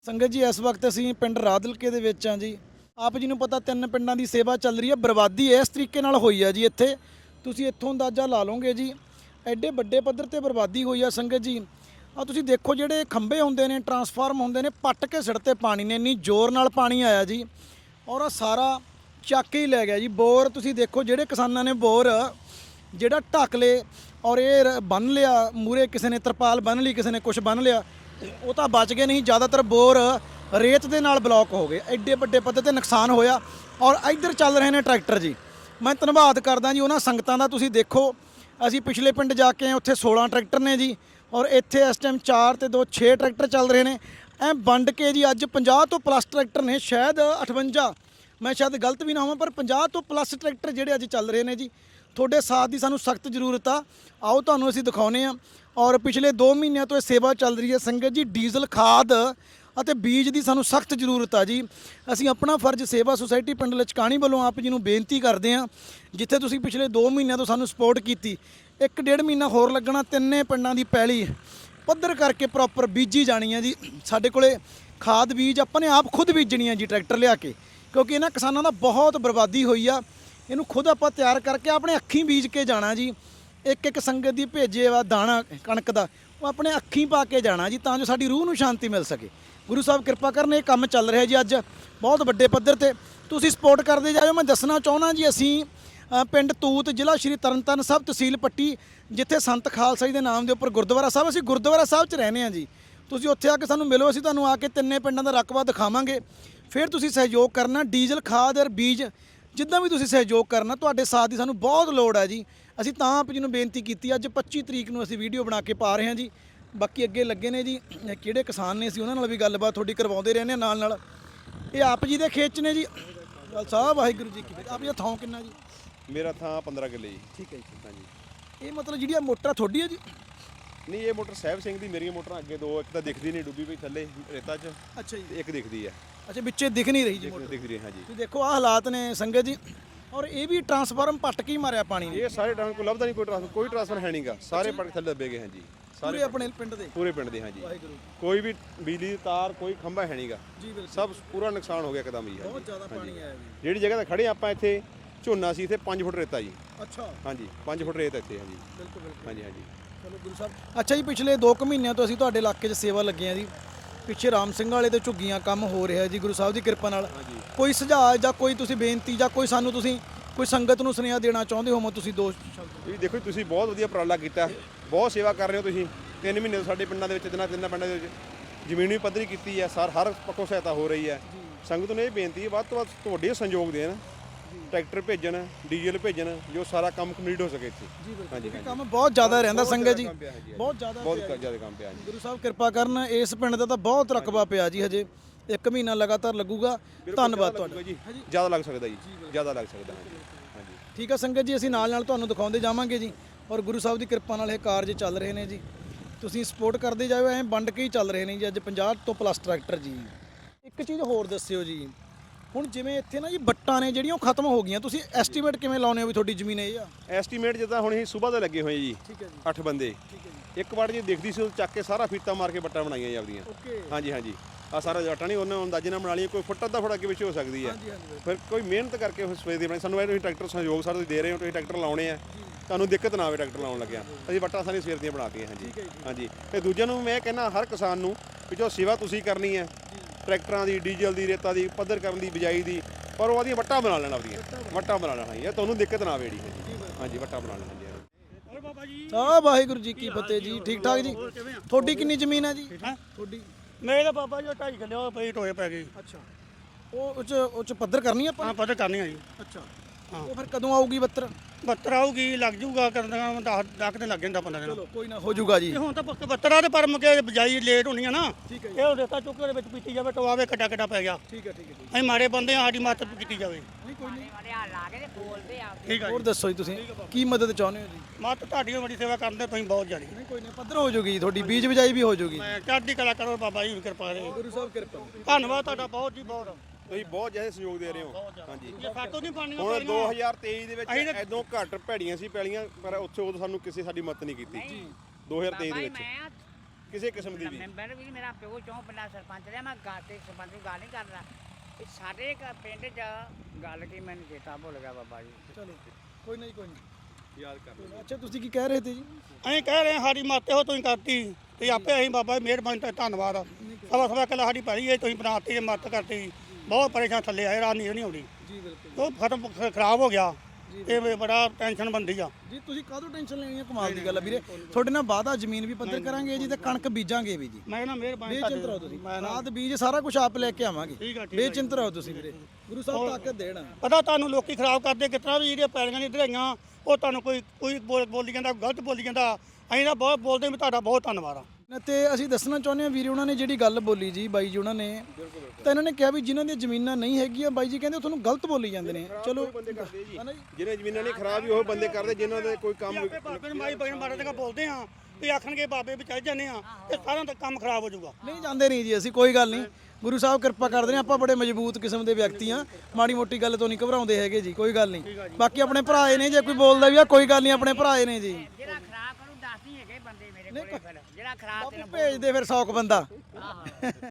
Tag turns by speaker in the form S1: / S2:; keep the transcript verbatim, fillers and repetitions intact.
S1: ਸੰਗਤ ਜੀ ਇਸ ਵਕਤ ਅਸੀਂ ਪਿੰਡ ਰਾਦਲਕੇ ਦੇ ਵਿੱਚ ਹਾਂ ਜੀ। ਆਪ ਜੀ ਨੂੰ ਪਤਾ ਤਿੰਨ ਪਿੰਡਾਂ ਦੀ ਸੇਵਾ ਚੱਲ ਰਹੀ ਹੈ। ਬਰਬਾਦੀ ਇਸ ਤਰੀਕੇ ਨਾਲ ਹੋਈ ਹੈ ਜੀ ਇੱਥੇ, ਤੁਸੀਂ ਇੱਥੋਂ ਅੰਦਾਜ਼ਾ ਲਾ ਲਓਗੇ ਜੀ। ਐਡੇ ਵੱਡੇ ਪੱਧਰ ਤੇ ਬਰਬਾਦੀ ਹੋਈ ਆ ਸੰਗਤ ਜੀ। ਆ ਤੁਸੀਂ ਦੇਖੋ ਜਿਹੜੇ ਖੰਭੇ ਹੁੰਦੇ ਨੇ, ਟਰਾਂਸਫਾਰਮ ਹੁੰਦੇ ਨੇ, ਪੱਟ ਕੇ ਸਿੱਟ ਤੇ ਪਾਣੀ ਨੇ, ਇੰਨੀ ਜ਼ੋਰ ਨਾਲ ਪਾਣੀ ਆਇਆ ਜੀ ਔਰ ਆ ਸਾਰਾ ਚੱਕ ਹੀ ਲੈ ਗਿਆ ਜੀ। ਬੋਰ ਤੁਸੀਂ ਦੇਖੋ, ਜਿਹੜੇ ਕਿਸਾਨਾਂ ਨੇ ਬੋਰ ਜਿਹੜਾ ਢੱਕ ਲੇ ਔਰ ਇਹ ਬੰਨ ਲਿਆ, ਮੂਰੇ ਕਿਸੇ ਨੇ ਤਰਪਾਲ ਬੰਨ ਲਈ, ਕਿਸੇ ਨੇ ਕੁਝ ਬੰਨ ਲਿਆ, ਉਹ ਤਾਂ ਬਚ ਗਏ, ਨਹੀਂ ਜ਼ਿਆਦਾਤਰ ਬੋਰ ਰੇਤ ਦੇ ਨਾਲ ਬਲੌਕ ਹੋ ਗਏ। ਐਡੇ ਵੱਡੇ ਪੱਧਰ ਤੇ ਨੁਕਸਾਨ ਹੋਇਆ ਔਰ ਇੱਧਰ ਚੱਲ ਰਹੇ ਨੇ ਟਰੈਕਟਰ ਜੀ। ਮੈਂ ਧੰਨਵਾਦ ਕਰਦਾ ਜੀ ਉਹਨਾਂ ਸੰਗਤਾਂ ਦਾ। ਤੁਸੀਂ ਦੇਖੋ, ਅਸੀਂ ਪਿਛਲੇ ਪਿੰਡ ਜਾ ਕੇ ਆਏ, ਉੱਥੇ ਸੋਲਾਂ ਟਰੈਕਟਰ ਨੇ ਜੀ ਔਰ ਇੱਥੇ ਇਸ ਟਾਈਮ ਚਾਰ ਤੇ ਦੋ ਛੇ ਟਰੈਕਟਰ ਚੱਲ ਰਹੇ ਨੇ। ਐ ਵੰਡ ਕੇ ਜੀ ਅੱਜ ਪੰਜਾਹ ਤੋਂ ਪਲੱਸ ਟਰੈਕਟਰ ਨੇ, ਸ਼ਾਇਦ ਅਠਵੰਜਾ, ਮੈਂ ਸ਼ਾਇਦ ਗਲਤ ਵੀ ਨਾ ਹੋਵਾਂ, ਪਰ ਪੰਜਾਹ ਤੋਂ ਪਲੱਸ ਟਰੈਕਟਰ ਜਿਹੜੇ ਅੱਜ ਚੱਲ ਰਹੇ ਨੇ ਜੀ। ਤੁਹਾਡੇ ਸਾਥ ਦੀ ਸਾਨੂੰ ਸਖਤ ਜ਼ਰੂਰਤ ਆ। ਆਓ ਤੁਹਾਨੂੰ ਅਸੀਂ ਦਿਖਾਉਂਦੇ ਹਾਂ। ਔਰ ਪਿਛਲੇ ਦੋ ਮਹੀਨਿਆਂ ਤੋਂ ਇਹ ਸੇਵਾ ਚੱਲ ਰਹੀ ਹੈ ਸੰਗਤ ਜੀ। ਡੀਜ਼ਲ, ਖਾਦ ਅਤੇ ਬੀਜ ਦੀ ਸਾਨੂੰ ਸਖਤ ਜ਼ਰੂਰਤ ਆ ਜੀ। ਅਸੀਂ ਆਪਣਾ ਫਰਜ਼ ਸੇਵਾ ਸੁਸਾਇਟੀ ਪਿੰਡ ਲਚਕਾਣੀ ਵੱਲੋਂ ਆਪ ਜੀ ਨੂੰ ਬੇਨਤੀ ਕਰਦੇ ਹਾਂ, ਜਿੱਥੇ ਤੁਸੀਂ ਪਿਛਲੇ ਦੋ ਮਹੀਨਿਆਂ ਤੋਂ ਸਾਨੂੰ ਸਪੋਰਟ ਕੀਤੀ, ਇੱਕ ਡੇਢ ਮਹੀਨਾ ਹੋਰ ਲੱਗਣਾ, ਤਿੰਨੇ ਪਿੰਡਾਂ ਦੀ ਪੈਲੀ ਪੱਧਰ ਕਰਕੇ ਪ੍ਰੋਪਰ ਬੀਜੀ ਜਾਣੀ ਹੈ ਜੀ। ਸਾਡੇ ਕੋਲੇ ਖਾਦ ਬੀਜ ਆਪਾਂ ਨੇ ਆਪ ਖੁਦ ਬੀਜਣੀ ਹੈ ਜੀ, ਟਰੈਕਟਰ ਲਿਆ ਕੇ, ਕਿਉਂਕਿ ਇਹਨਾਂ ਕਿਸਾਨਾਂ ਦਾ ਬਹੁਤ ਬਰਬਾਦੀ ਹੋਈ ਆ। ਇਹਨੂੰ ਖੁਦ ਆਪਾਂ ਤਿਆਰ ਕਰਕੇ ਆਪਣੇ ਅੱਖੀਂ ਬੀਜ ਕੇ ਜਾਣਾ ਜੀ। ਇੱਕ ਇੱਕ ਸੰਗਤ ਦੀ ਭੇਜੇ ਵਾ ਦਾਣਾ ਕਣਕ ਦਾ, ਉਹ ਆਪਣੇ ਅੱਖੀਂ ਪਾ ਕੇ ਜਾਣਾ ਜੀ, ਤਾਂ ਜੋ ਸਾਡੀ ਰੂਹ ਨੂੰ ਸ਼ਾਂਤੀ ਮਿਲ ਸਕੇ। ਗੁਰੂ ਸਾਹਿਬ ਕਿਰਪਾ ਕਰਨ, ਇਹ ਕੰਮ ਚੱਲ ਰਿਹਾ ਜੀ ਅੱਜ ਬਹੁਤ ਵੱਡੇ ਪੱਧਰ ਤੇ। ਤੁਸੀਂ ਸਪੋਰਟ ਕਰਦੇ ਜਾਇਓ। ਮੈਂ ਦੱਸਣਾ ਚਾਹੁੰਦਾ ਜੀ, ਅਸੀਂ ਪਿੰਡ ਤੂਤ, ਜ਼ਿਲ੍ਹਾ ਸ਼੍ਰੀ ਤਰਨਤਾਰਨ ਸਾਹਿਬ, ਤਹਿਸੀਲ ਪੱਟੀ, ਜਿੱਥੇ ਸੰਤ ਖਾਲਸਾ ਜੀ ਦੇ ਨਾਮ ਦੇ ਉੱਪਰ ਗੁਰਦੁਆਰਾ ਸਾਹਿਬ, ਅਸੀਂ ਗੁਰਦੁਆਰਾ ਸਾਹਿਬ 'ਚ ਰਹਿੰਦੇ ਹਾਂ ਜੀ। ਤੁਸੀਂ ਉੱਥੇ ਆ ਕੇ ਸਾਨੂੰ ਮਿਲੋ, ਅਸੀਂ ਤੁਹਾਨੂੰ ਆ ਕੇ ਤਿੰਨੇ ਪਿੰਡਾਂ ਦਾ ਰਕਬਾ ਦਿਖਾਵਾਂਗੇ। ਫਿਰ ਤੁਸੀਂ ਸਹਿਯੋਗ ਕਰਨਾ, ਡੀਜ਼ਲ, ਖਾਦ ਔਰ ਬੀਜ, ਜਿੱਦਾਂ ਵੀ ਤੁਸੀਂ ਸਹਿਯੋਗ ਕਰਨਾ। ਤੁਹਾਡੇ ਸਾਥ ਦੀ ਸਾਨੂੰ ਬਹੁਤ ਲੋੜ ਹੈ ਜੀ। ਅਸੀਂ ਤਾਂ ਆਪ ਜੀ ਨੂੰ ਬੇਨਤੀ ਕੀਤੀ, ਅੱਜ ਪੱਚੀ ਤਰੀਕ ਨੂੰ ਅਸੀਂ ਵੀਡੀਓ ਬਣਾ ਕੇ ਪਾ ਰਹੇ ਹਾਂ ਜੀ। ਬਾਕੀ ਅੱਗੇ ਲੱਗੇ ਨੇ ਜੀ ਕਿਹੜੇ ਕਿਸਾਨ ਨੇ, ਅਸੀਂ ਉਹਨਾਂ ਨਾਲ ਵੀ ਗੱਲਬਾਤ ਤੁਹਾਡੀ ਕਰਵਾਉਂਦੇ ਰਹਿੰਦੇ ਹਾਂ ਨਾਲ ਨਾਲ। ਇਹ ਆਪ ਜੀ ਦੇ ਖੇਤ 'ਚ ਨੇ ਜੀ। ਸਾਹਿਬ ਵਾਹਿਗੁਰੂ ਜੀ ਕੀ ਫਤਿਹ। ਆਪ ਜੀ ਦਾ ਥਾਂ ਕਿੰਨਾ ਜੀ?
S2: ਮੇਰਾ ਥਾਂ ਪੰਦਰਾਂ ਕਿੱਲੇ ਜੀ।
S1: ਠੀਕ ਹੈ ਜੀ।
S2: ਹਾਂਜੀ।
S1: ਇਹ ਮਤਲਬ ਜਿਹੜੀ ਆ ਮੋਟਰ ਤੁਹਾਡੀ ਹੈ ਜੀ?
S2: ਨਹੀਂ, ਇਹ ਮੋਟਰ ਸਾਹਿਬ ਸਿੰਘ ਦੀ। ਮੇਰੀਆਂ ਮੋਟਰਾਂ ਅੱਗੇ ਦੋ, ਇੱਕ ਤਾਂ ਦਿਖਦੀ ਨਹੀਂ, ਡੁੱਬੀ ਪਈ ਥੱਲੇ ਰੇਤਾ 'ਚ,
S1: ਅੱਛਾ ਜੀ।
S2: ਤੇ ਇੱਕ ਦਿਖਦੀ ਹੈ।
S1: ਅੱਛਾ, ਵਿੱਚੇ ਦਿਖ ਨਹੀਂ ਰਹੀ ਜੀ ਮੋਟਰ?
S2: ਦਿਖ ਰਹੀ ਹੈ ਜੀ।
S1: ਤੁਸੀਂ ਦੇਖੋ ਆਹ ਹਾਲਾਤ ਨੇ ਸੰਗਤ ਜੀ। ਔਰ ਇਹ ਵੀ ਟਰਾਂਸਫਾਰਮ ਪੱਟ ਕੇ ਹੀ ਮਾਰਿਆ ਪਾਣੀ ਨੇ।
S2: ਇਹ ਸਾਰੇ ਟਾਂ ਕੋਈ ਲੱਭਦਾ ਨਹੀਂ, ਕੋਈ ਟਰਾਂਸਫਰ ਕੋਈ ਟਰਾਂਸਫਰ ਹੈ ਨਹੀਂਗਾ, ਸਾਰੇ ਪੱਟ ਕੇ ਥੱਲੇ ਦੱਬੇ ਗਏ ਹਾਂ ਜੀ।
S1: ਸਾਰੇ ਆਪਣੇ ਪਿੰਡ ਦੇ?
S2: ਪੂਰੇ ਪਿੰਡ ਦੇ। ਹਾਂਜੀ।
S1: ਵਾਹਿਗੁਰੂ।
S2: ਕੋਈ ਵੀ ਬਿਜਲੀ ਦੀ ਤਾਰ, ਕੋਈ ਖੰਭਾ ਹੈ ਨਹੀਂਗਾ
S1: ਜੀ ਬਿਲਕੁਲ।
S2: ਸਭ ਪੂਰਾ ਨੁਕਸਾਨ ਹੋ ਗਿਆ ਇੱਕਦਮ ਹੀ।
S1: ਬਹੁਤ ਜ਼ਿਆਦਾ ਪਾਣੀ ਆਇਆ ਜੀ।
S2: ਜਿਹੜੀ ਜਗ੍ਹਾ ਤੇ ਖੜੇ ਆਪਾਂ, ਇੱਥੇ ਝੋਨਾ ਸੀ, ਇੱਥੇ ਪੰਜ ਫੁੱਟ ਰੇਤਾ ਜੀ।
S1: ਅੱਛਾ।
S2: ਹਾਂਜੀ, ਪੰਜ ਫੁੱਟ ਰੇਤ ਇੱਥੇ। ਹਾਂਜੀ
S1: ਬਿਲਕੁਲ ਬਿਲਕੁਲ।
S2: ਹਾਂਜੀ ਹਾਂਜੀ।
S1: ਚਲੋ ਗੁਰੂ ਸਾਹਿਬ। ਅੱਛਾ ਜੀ, ਪਿਛਲੇ ਦੋ ਕੁ ਮਹੀਨਿਆਂ ਤੋਂ ਅਸੀਂ ਤੁਹਾਡੇ ਇਲਾਕੇ 'ਚ ਸੇਵਾ ਲੱਗੇ ਹਾਂ ਜੀ। ਪਿੱਛੇ ਰਾਮ ਸਿੰਘ ਵਾਲੇ ਤੇ ਝੁੱਗੀਆਂ ਕੰਮ ਹੋ ਰਿਹਾ ਜੀ, ਗੁਰੂ ਸਾਹਿਬ ਦੀ ਕਿਰਪਾ ਨਾਲ। ਕੋਈ ਸੁਝਾਅ ਜਾਂ ਕੋਈ ਤੁਸੀਂ ਬੇਨਤੀ ਜਾਂ ਕੋਈ ਸਾਨੂੰ ਤੁਸੀਂ ਕੋਈ ਸੰਗਤ ਨੂੰ ਸੁਨੇਹਾ ਦੇਣਾ ਚਾਹੁੰਦੇ ਹੋ? ਮੈਂ ਤੁਸੀਂ ਦੋ ਸ਼ਬਦ।
S2: ਇਹ ਦੇਖੋ, ਤੁਸੀਂ ਬਹੁਤ ਵਧੀਆ ਉਪਰਾਲਾ ਕੀਤਾ, ਬਹੁਤ ਸੇਵਾ ਕਰ ਰਹੇ ਹੋ ਤੁਸੀਂ। ਤਿੰਨ ਮਹੀਨੇ ਤੋਂ ਸਾਡੇ ਪਿੰਡਾਂ ਦੇ ਵਿੱਚ, ਤਿੰਨਾਂ ਤਿੰਨਾਂ ਪਿੰਡਾਂ ਦੇ ਵਿੱਚ ਜ਼ਮੀਨ ਵੀ ਪੱਧਰੀ ਕੀਤੀ ਹੈ, ਸਰ ਹਰ ਪੱਖੋਂ ਸਹਾਇਤਾ ਹੋ ਰਹੀ ਹੈ। ਸੰਗਤ ਨੂੰ ਇਹ ਬੇਨਤੀ ਹੈ, ਵੱਧ ਤੋਂ ਵੱਧ ਤੁਹਾਡੇ ਸਹਿਯੋਗ ਦੇਣ, ਟਰੈਕਟਰ ਭੇਜਣ, ਡੀਜ਼ਲ ਭੇਜਣ, ਜੋ ਸਾਰਾ ਕੰਮ ਕੰਪਲੀਟ ਹੋ ਸਕੇ ਇੱਥੇ।
S1: ਹਾਂਜੀ, ਕੰਮ ਬਹੁਤ ਜ਼ਿਆਦਾ ਰਹਿੰਦਾ ਸੰਗਤ ਜੀ, ਬਹੁਤ ਜ਼ਿਆਦਾ
S2: ਬਹੁਤ ਜ਼ਿਆਦਾ ਕੰਮ ਪਿਆ ਜੀ।
S1: ਗੁਰੂ ਸਾਹਿਬ ਕਿਰਪਾ ਕਰਨ। ਇਸ ਪਿੰਡ ਦਾ ਤਾਂ ਬਹੁਤ ਰਕਬਾ ਪਿਆ ਜੀ, ਹਜੇ ਇੱਕ ਮਹੀਨਾ ਲਗਾਤਾਰ ਲੱਗੂਗਾ। ਧੰਨਵਾਦ ਤੁਹਾਡਾ
S2: ਜੀ। ਜ਼ਿਆਦਾ ਲੱਗ ਸਕਦਾ ਜੀ, ਜ਼ਿਆਦਾ ਲੱਗ ਸਕਦਾ। ਹਾਂਜੀ,
S1: ਠੀਕ ਆ ਸੰਗਤ ਜੀ, ਅਸੀਂ ਨਾਲ ਨਾਲ ਤੁਹਾਨੂੰ ਦਿਖਾਉਂਦੇ ਜਾਵਾਂਗੇ ਜੀ। ਔਰ ਗੁਰੂ ਸਾਹਿਬ ਦੀ ਕਿਰਪਾ ਨਾਲ ਇਹ ਕਾਰਜ ਚੱਲ ਰਹੇ ਨੇ ਜੀ। ਤੁਸੀਂ ਸਪੋਰਟ ਕਰਦੇ ਜਾਓ, ਐਂ ਵੰਡ ਕੇ ਹੀ ਚੱਲ ਰਹੇ ਨੇ ਜੀ ਅੱਜ ਪੰਜਾਹ ਤੋਂ ਪਲੱਸ ਟਰੈਕਟਰ ਜੀ। ਇੱਕ ਚੀਜ਼ ਹੋਰ ਦੱਸਿਓ ਜੀ, ਹੁਣ ਜਿਵੇਂ ਇੱਥੇ ਨਾ ਜੀ ਵੱਟਾਂ ਨੇ ਜਿਹੜੀਆਂ ਉਹ ਖਤਮ ਹੋ ਗਈਆਂ, ਤੁਸੀਂ ਐਸਟੀਮੇਟ ਕਿਵੇਂ ਲਾਉਨੇ ਹੋ ਵੀ ਤੁਹਾਡੀ ਜ਼ਮੀਨ ਇਹ ਆ?
S2: ਐਸਟੀਮੇਟ ਜਿੱਦਾਂ ਹੁਣ ਅਸੀਂ ਸਵੇਰ ਦੇ ਲੱਗੇ ਹੋਏ ਜੀ।
S1: ਠੀਕ ਹੈ ਜੀ।
S2: ਅੱਠ ਬੰਦੇ।
S1: ਠੀਕ ਹੈ ਜੀ।
S2: ਇੱਕ ਵਾਰ ਜੇ ਦੇਖਦੀ ਸੀ ਉਹ ਚੱਕ ਕੇ ਸਾਰਾ ਫੀਤਾ ਮਾਰ ਕੇ ਵੱਟਾਂ ਬਣਾਈਆਂ ਜੀ ਆਪਦੀਆਂ।
S1: ਓਕੇ।
S2: ਹਾਂਜੀ ਹਾਂਜੀ। ਆ ਸਾਰਾ ਜੱਟਾਂ ਨਹੀਂ, ਉਹਨਾਂ ਅੰਦਾਜ਼ੇ ਨਾਲ ਬਣਾ ਲਈਏ, ਕੋਈ ਫੁੱਟ ਅੱਧਾ ਫੁੱਟ ਅੱਗੇ ਪਿੱਛੇ ਹੋ ਸਕਦੀ ਹੈ।
S1: ਹਾਂਜੀ ਹਾਂਜੀ।
S2: ਫਿਰ ਕੋਈ ਮਿਹਨਤ ਕਰਕੇ ਉਸ ਸਵੇਰ ਦੀ ਬਣਾਈ। ਸਾਨੂੰ ਇਹ ਤੁਸੀਂ ਟਰੈਕਟਰ ਸਹਿਯੋਗ ਸਾਰਾ ਤੁਸੀਂ ਦੇ ਰਹੇ ਹੋ, ਤੁਸੀਂ ਟਰੈਕਟਰ ਲਾਉਣੇ ਆ, ਤੁਹਾਨੂੰ ਦਿੱਕਤ ਨਾ ਆਵੇ ਟਰੈਕਟਰ ਲਾਉਣ ਲੱਗਿਆ। ਅਸੀਂ ਵੱਟਾਂ ਸਾਰੀਆਂ ਸਵੇਰ ਦੀਆਂ ਬਣਾਤੀਆਂ। ਹਾਂਜੀ ਹਾਂਜੀ। ਤੇ ਦੂਜਿਆਂ ਨੂੰ ਮੈਂ ਕਹਿੰਦਾ, ਹਰ ਕਿਸਾਨ ਨੂੰ ਵੀ ਜੋ ਸੇਵਾ ਤੁਸੀਂ ਕਰਨੀ ਹੈ ਟਰੈਕਟਰਾਂ ਦੀ, ਡੀਜ਼ਲ ਦੀ, ਰੇਤਾ ਦੀ, ਪੱਧਰ ਕਰਨ ਦੀ, ਬਿਜਾਈ ਦੀ, ਪਰ ਉਹ ਆਦੀਆਂ ਵੱਟਾਂ ਬਣਾ ਲੈਣਾ, ਆਪਦੀਆਂ ਵੱਟਾਂ ਬਣਾ ਲੈਣਾ ਜੀ, ਤੁਹਾਨੂੰ ਦਿੱਕਤ ਨਾ ਆਵੇ ਜਿਹੜੀ। ਹਾਂਜੀ, ਵੱਟਾਂ ਬਣਾ ਲੈਣਾ ਜੀ।
S1: ਆ ਵਾਹਿਗੁਰੂ ਜੀ ਕੀ ਫਤਿਹ ਜੀ। ਠੀਕ ਠਾਕ ਜੀ। ਤੁਹਾਡੀ ਕਿੰਨੀ ਜ਼ਮੀਨ ਹੈ ਜੀ? ਤੁਹਾਡੀ?
S3: ਮੇਰੇ ਤਾਂ ਬਾਬਾ ਜੀ ਢਾਈ ਕਿੱਲੇ ਉਹ ਪਈ ਟੋਏ ਪੈ ਗਏ।
S1: ਅੱਛਾ। ਉਹ ਉਹ 'ਚ ਉਹ 'ਚ ਪੱਧਰ ਕਰਨੀ ਆਪਾਂ?
S3: ਹਾਂ, ਪਤਾ ਕਰਨੀ ਆ ਜੀ।
S1: ਅੱਛਾ। ਉਹ ਫਿਰ ਕਦੋਂ ਆਊਗੀ ਬੱਤਰ?
S3: ਬੱਤਰ ਆਊਗੀ, ਲੱਗ ਜੂਗਾ ਕਰਨਾ, ਦਸ ਦਸ ਦਿਨ ਲੱਗ ਜਾਂਦਾ, ਪੰਦਰਾਂ ਦਿਨ।
S1: ਚਲੋ ਕੋਈ ਨਾ, ਹੋ ਜਾਊਗਾ ਜੀ।
S3: ਤੇ ਹੁਣ ਤਾਂ ਪੱਕੇ ਬੱਤਰ ਆ, ਤੇ ਪਰ ਮੁਕੇ ਬਜਾਈ ਲੇਟ ਹੋਣੀ ਆ ਨਾ।
S1: ਠੀਕ ਹੈ ਜੀ।
S3: ਇਹ ਰੇਤਾ ਚੁੱਕ ਕੇ ਉਹਦੇ ਵਿੱਚ ਪੀਤੀ ਜਾਵੇ, ਟੋਆਵੇ ਕੱਟਾ ਕੱਟਾ ਪੈ ਗਿਆ।
S1: ਠੀਕ ਹੈ ਠੀਕ ਹੈ।
S3: ਅਸੀਂ ਮਾੜੇ ਬੰਦੇ ਆ, ਸਾਡੀ ਮਦਦ ਕੀਤੀ ਜਾਵੇ।
S1: ਨਹੀਂ ਕੋਈ ਨਹੀਂ।
S3: ਠੀਕ ਹੈ।
S1: ਹੋਰ ਦੱਸੋ ਜੀ, ਤੁਸੀਂ ਕੀ ਮਦਦ ਚਾਹੁੰਦੇ ਹੋ ਜੀ?
S3: ਮਦਦ ਤੁਹਾਡੀ ਬੜੀ ਸੇਵਾ ਕਰਦੇ ਤੁਸੀਂ ਬਹੁਤ ਜ਼ਿਆਦਾ।
S1: ਨਹੀਂ ਕੋਈ ਨਹੀਂ, ਪੱਧਰ ਹੋ ਜਾਊਗੀ ਤੁਹਾਡੀ, ਬੀਜ ਬਿਜਾਈ ਵੀ ਹੋ ਜਾਊਗੀ।
S3: ਮੈਂ ਚੜ੍ਹਦੀ ਕਲਾ ਕਰੋ ਬਾਬਾ ਜੀ, ਕਿਰਪਾ ਕਰੇ।
S1: ਗੁਰੂ ਸਾਹਿਬ ਕਿਰਪਾ।
S3: ਧੰਨਵਾਦ ਤੁਹਾਡਾ ਬਹੁਤ ਜੀ, ਬਹੁਤ।
S2: ਤੁਸੀਂ ਬਹੁਤ ਜ਼ਿਆਦਾ ਸਹਿਯੋਗ ਦੇ ਰਹੇ ਹੋ। ਹਾਂਜੀ।
S3: ਇਹ ਸਾਤੋਂ ਨਹੀਂ ਪਾਣੀਆਂ
S2: ਹੁਣ ਦੋ ਹਜ਼ਾਰ ਤੇਈ ਦੇ ਵਿੱਚ ਐਦੋਂ ਘੱਟ ਭੈੜੀਆਂ ਸੀ ਪੈਲੀਆਂ, ਪਰ ਉੱਥੇ ਉਦੋਂ ਸਾਨੂੰ ਕਿਸੇ ਸਾਡੀ ਮਦਦ ਨਹੀਂ ਕੀਤੀ। ਦੋ ਹਜ਼ਾਰ ਤੇਈ ਦੇ ਵਿੱਚ ਕਿਸੇ ਕਿਸਮ ਦੀ ਵੀ।
S4: ਮੈਂਬਰ ਵੀ ਮੇਰਾ ਪਿਓ ਚੋਂ ਪਿੰਡਾਂ ਸਰਪੰਚ ਰਿਹਾ, ਮੈਂ ਗੱਲ ਤੇ ਸਰਪੰਚ ਨੂੰ ਗੱਲ ਨਹੀਂ ਕਰਦਾ। ਇਹ ਸਾਡੇ ਘ- ਪਿੰਡ 'ਚ ਗੱਲ ਕੀ ਮੈਨੂੰ ਚੇਤਾ ਭੁੱਲ ਗਿਆ ਬਾਬਾ ਜੀ।
S1: ਚਲੋ ਕੋਈ ਨਹੀਂ ਕੋਈ ਨਹੀਂ
S2: ਯਾਦ ਕਰ ਲਓ।
S1: ਅੱਛਾ ਤੁਸੀਂ ਕੀ ਕਹਿ ਰਹੇ ਤੇ ਜੀ?
S3: ਅਸੀਂ ਕਹਿ ਰਹੇ ਹਾਂ ਸਾਡੀ ਮੱਤ ਹੋ ਤੁਸੀਂ ਕਰਤੀ ਤੇ ਆਪੇ ਅਸੀਂ ਬਾਬਾ ਜੀ ਮਿਹਰਬਾਨੀ ਤੇ ਧੰਨਵਾਦ। ਸਵਾ ਸਵਾ ਕਿੱਲਾ ਸਾਡੀ ਭਾਈ ਇਹ ਤੁਸੀਂ ਬਣਾਤੀ ਇਹ ਮੱਤ ਕਰਤੀ। ਬਹੁਤ ਪਰੇਸ਼ਾਨ ਥੱਲੇ ਆਏ ਰਾਤ ਨੀਂਦ ਨਹੀਂ ਆਉਂਦੀ।
S1: ਜੀ ਬਿਲਕੁਲ
S3: ਉਹ ਖਤਮ ਖ- ਖਰਾਬ ਹੋ ਗਿਆ ਤੇ ਵੀ ਬੜਾ ਟੈਨਸ਼ਨ ਬੰਦੀ ਆ।
S1: ਜੀ ਤੁਸੀਂ ਕਾਹਦੋਂ ਟੈਨਸ਼ਨ ਲੈਣੀ ਹੈ? ਕਮਾਲ ਦੀ ਗੱਲ ਆ ਵੀਰੇ। ਤੁਹਾਡੇ ਨਾਲ ਵਾਅਦਾ ਜ਼ਮੀਨ ਵੀ ਪੱਧਰ ਕਰਾਂਗੇ ਜੀ ਤੇ ਕਣਕ ਬੀਜਾਂਗੇ ਵੀ ਜੀ।
S3: ਮੈਂ ਨਾ ਮਿਹਰਬਾਨੀ
S1: ਬੇਚਿੰਤ ਰਹੋ ਤੁਸੀਂ,
S3: ਮੈਂ ਨਾ
S1: ਖਾਦ ਬੀਜ ਸਾਰਾ ਕੁਝ ਆਪ ਲੈ ਕੇ ਆਵਾਂਗੇ।
S3: ਠੀਕ ਆ ਠੀਕ ਆ
S1: ਬੇਚਿੰਤ ਰਹੋ ਤੁਸੀਂ ਵੀਰੇ, ਗੁਰੂ ਸਾਹਿਬ ਤਾਕਤ ਦੇਣ।
S3: ਪਤਾ ਤੁਹਾਨੂੰ ਲੋਕੀ ਖਰਾਬ ਕਰਦੇ ਕਿਤਨਾ ਵੀ ਜਿਹੜੀਆਂ ਪੈਲੀਆਂ ਨੇ ਇੱਧਰ ਆਈਆਂ ਉਹ ਤੁਹਾਨੂੰ ਕੋਈ ਕੋਈ ਬੋਲ- ਬੋਲੀ ਜਾਂਦਾ, ਗਲਤ ਬੋਲੀ ਜਾਂਦਾ। ਅਸੀਂ ਤਾਂ ਬਹੁਤ ਬੋਲਦੇ ਵੀ ਤੁਹਾਡਾ ਬਹੁਤ ਧੰਨਵਾਦ ਆ।
S1: ਤੇ ਅਸੀਂ ਦੱਸਣਾ ਚਾਹੁੰਦੇ ਹਾਂ ਵੀਰੇ, ਉਹਨਾਂ ਨੇ ਜਿਹੜੀ ਗੱਲ ਬੋਲੀ ਜੀ ਬਾਈ ਜੀ ਉਹਨਾਂ ਨੇ, ਤਾਂ ਇਹਨਾਂ ਨੇ ਕਿਹਾ ਵੀ ਜਿਨ੍ਹਾਂ ਦੀਆਂ ਜ਼ਮੀਨਾਂ ਨਹੀਂ ਹੈਗੀਆਂ ਬਾਈ ਜੀ ਕਹਿੰਦੇ ਉਹ ਤੁਹਾਨੂੰ ਗਲਤ ਬੋਲੀ ਜਾਂਦੇ ਨੇ। ਚਲੋ
S2: ਬੰਦੇ ਕਰਦੇ ਜੀ,
S1: ਹਨਾ ਜੀ?
S2: ਜਿਹਨੇ ਜ਼ਮੀਨਾਂ ਨਹੀਂ ਖਰਾਬ ਹੀ ਉਹ ਬੰਦੇ ਕਰਦੇ ਜਿਨ੍ਹਾਂ ਦੇ ਕੋਈ ਕੰਮ
S3: ਆਪੇ ਬਾਬੇ ਨੂੰ ਮਾਈ ਬਗਨ ਮਾਰੇ ਤੇ ਬੋਲਦੇ ਆ ਵੀ ਆਖਣਗੇ ਬਾਬੇ ਵੀ ਚੱਲ ਜਾਂਦੇ ਆ ਤੇ ਸਾਰਿਆਂ ਦਾ ਕੰਮ ਖਰਾਬ ਹੋ ਜਾਊਗਾ।
S1: ਨਹੀਂ ਜਾਂਦੇ ਨਹੀਂ ਜੀ ਅਸੀਂ, ਕੋਈ ਗੱਲ ਨਹੀਂ। ਗੁਰੂ ਸਾਹਿਬ ਕਿਰਪਾ ਕਰਦੇ ਨੇ, ਆਪਾਂ ਬੜੇ ਮਜ਼ਬੂਤ ਕਿਸਮ ਦੇ ਵਿਅਕਤੀ ਆ, ਮਾੜੀ ਮੋਟੀ ਗੱਲ ਤੋਂ ਨਹੀਂ ਘਬਰਾਉਂਦੇ ਹੈਗੇ ਜੀ, ਕੋਈ ਗੱਲ ਨਹੀਂ। ਬਾਕੀ ਆਪਣੇ ਭਰਾਏ ਨੇ, ਜੇ ਕੋਈ ਬੋਲਦਾ ਵੀ ਆ ਕੋਈ ਗੱਲ ਨਹੀਂ, ਆਪਣੇ ਭਰਾਏ ਨੇ ਜੀ।
S4: ਜਿਹੜਾ ਖਰਾਬ ਕਰੂ ਦੱਸ ਨਹੀਂ ਹੈਗੇ ਬੰਦੇ ਮੇਰੇ ਕੋਲੇ ਫਿਰ ਜਿਹੜਾ ਖਰਾਬ
S1: ਬਾਪੂ ਭੇਜ ਦੇ ਫਿਰ ਸੌ ਕੁ ਬੰਦਾ।
S4: ਆਹੋ